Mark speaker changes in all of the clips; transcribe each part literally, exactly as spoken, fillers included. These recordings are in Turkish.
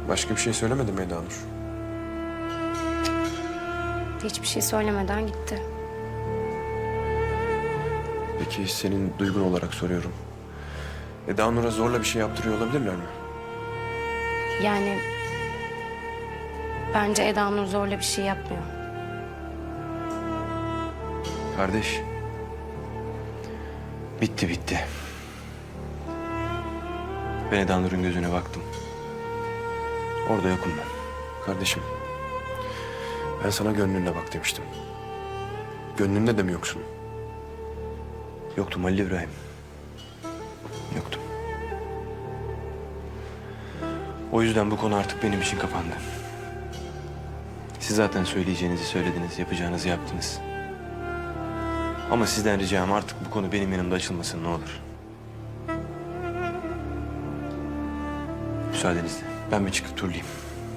Speaker 1: Başka bir şey söylemedi mi Eda Nur?
Speaker 2: Hiçbir şey söylemeden gitti.
Speaker 1: Peki senin duygun olarak soruyorum. Eda Nur'a zorla bir şey yaptırıyor olabilirler mi?
Speaker 2: Yani bence Eda Nur zorla bir şey yapmıyor.
Speaker 1: Kardeş. Bitti bitti. Ben Eda Nur'un gözüne baktım. Orada yokum ben. Kardeşim. Ben sana gönlünle bak demiştim. Gönlünde de mi yoksun? Yoktum Halil İbrahim. Yoktum. O yüzden bu konu artık benim için kapandı. Siz zaten söyleyeceğinizi söylediniz, yapacağınızı yaptınız. Ama sizden ricam artık bu konu benim yanımda açılmasın ne olur. Müsaadenizle ben bir çıkıp turlayayım.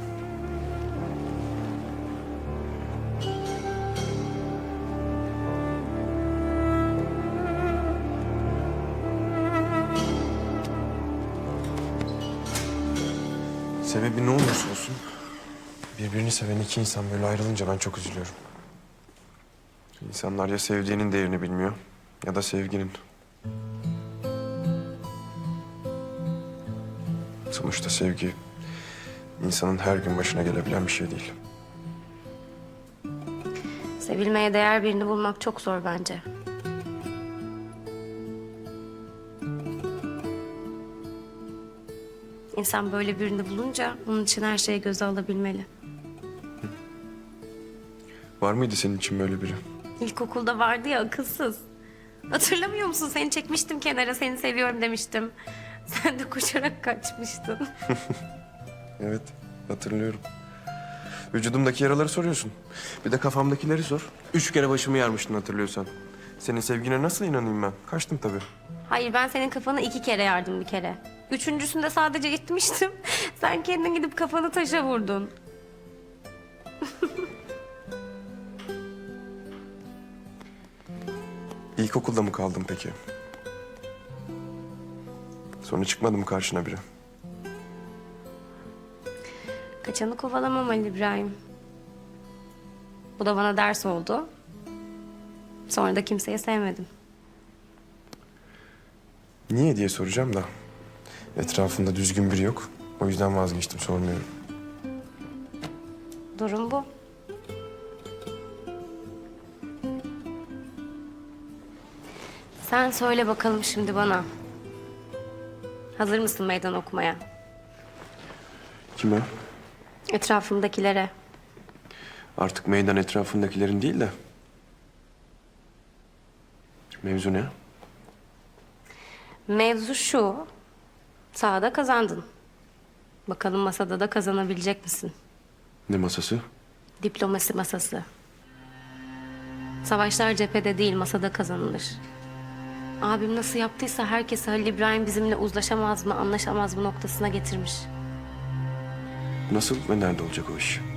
Speaker 1: Sebebi ne olursa olsun birbirini seven iki insan böyle ayrılınca ben çok üzülüyorum. İnsanlar ya sevdiğinin değerini bilmiyor ya da sevginin. Sonuçta sevgi insanın her gün başına gelebilen bir şey değil.
Speaker 2: Sevilmeye değer birini bulmak çok zor bence. İnsan böyle birini bulunca onun için her şeyi göze alabilmeli.
Speaker 1: Var mıydı senin için böyle biri?
Speaker 2: İlkokulda vardı ya akılsız. Hatırlamıyor musun? Seni çekmiştim kenara, seni seviyorum demiştim. Sen de koşarak kaçmıştın.
Speaker 1: Evet, hatırlıyorum. Vücudumdaki yaraları soruyorsun. Bir de kafamdakileri sor. Üç kere başımı yarmıştın hatırlıyorsan. Senin sevgine nasıl inanayım ben? Kaçtım tabii.
Speaker 2: Hayır, ben senin kafanı iki kere yardım bir kere. Üçüncüsünde sadece itmiştim. Sen kendin gidip kafanı taşa vurdun.
Speaker 1: İlkokulda mı kaldın peki? Sonra çıkmadı mı karşına biri?
Speaker 2: Kaçanı kovalamam Ali İbrahim. Bu da bana ders oldu. Sonra da kimseyi sevmedim.
Speaker 1: Niye diye soracağım da. Etrafında düzgün biri yok. O yüzden vazgeçtim, sormuyorum.
Speaker 2: Durum bu. Sen söyle bakalım şimdi bana. Hazır mısın meydan okumaya?
Speaker 1: Kime?
Speaker 2: Etrafımdakilere.
Speaker 1: Artık meydan etrafındakilerin değil de. Mevzu ne?
Speaker 2: Mevzu şu. Sahada kazandın. Bakalım masada da kazanabilecek misin?
Speaker 1: Ne masası?
Speaker 2: Diplomasi masası. Savaşlar cephede değil, masada kazanılır. Abim nasıl yaptıysa herkesi Halil İbrahim bizimle uzlaşamaz mı, anlaşamaz mı noktasına getirmiş.
Speaker 1: Nasıl ve nerede olacak o iş?